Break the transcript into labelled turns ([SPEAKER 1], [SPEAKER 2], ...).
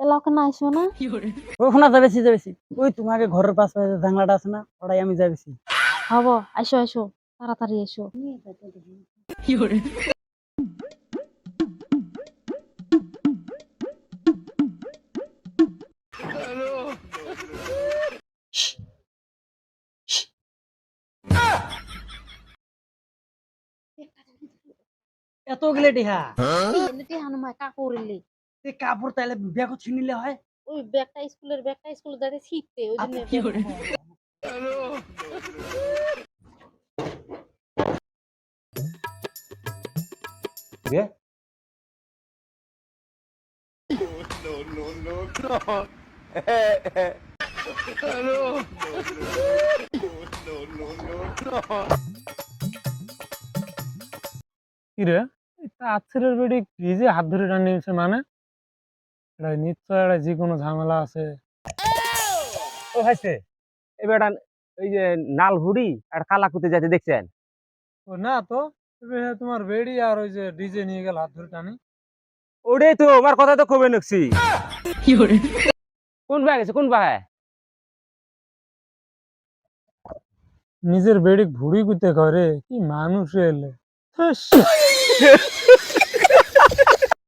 [SPEAKER 1] এলাকা না আইসো না?
[SPEAKER 2] ওখানে যাবেছি যাবেছি। ওই তোমাকে ঘরের পাশে জানলাটা আছে না, ওটাই আমি যাবেছি।
[SPEAKER 1] হব, আইসো আইসো, তাড়াতাড়ি এসো।
[SPEAKER 2] এত গেলে টিহা
[SPEAKER 1] এমনিতে হানুমায় কাকুরিলি।
[SPEAKER 2] এই কাপড় তাইলে ব্যাগও ছিনিলে হয়।
[SPEAKER 1] ওই স্কুলে যাতে ছিটতে ওই জন্য
[SPEAKER 2] গে
[SPEAKER 3] কিরে আচ্ছেরের বেডি কি যে হাত ধরে টান নিয়েছে মানে এটা নিশ্চয় একটা যে কোনো ঝামেলা আছে।
[SPEAKER 4] ও ভাইছে এবার ওই যে নাল হুড়ি আর কালাকুতে যাইতে দেখছেন?
[SPEAKER 3] ও না তো, তবে তোমার বেডি আর ওই যে ডিজে নিয়ে গেল হাত ধরে টানি।
[SPEAKER 4] ওটাই তো আমার কথা তো কবে নকছি। কোন ভাই গেছে কোন ভাই?
[SPEAKER 3] নিজের বেডি ভুড়ি কুতে করে কি মানুষ এলে।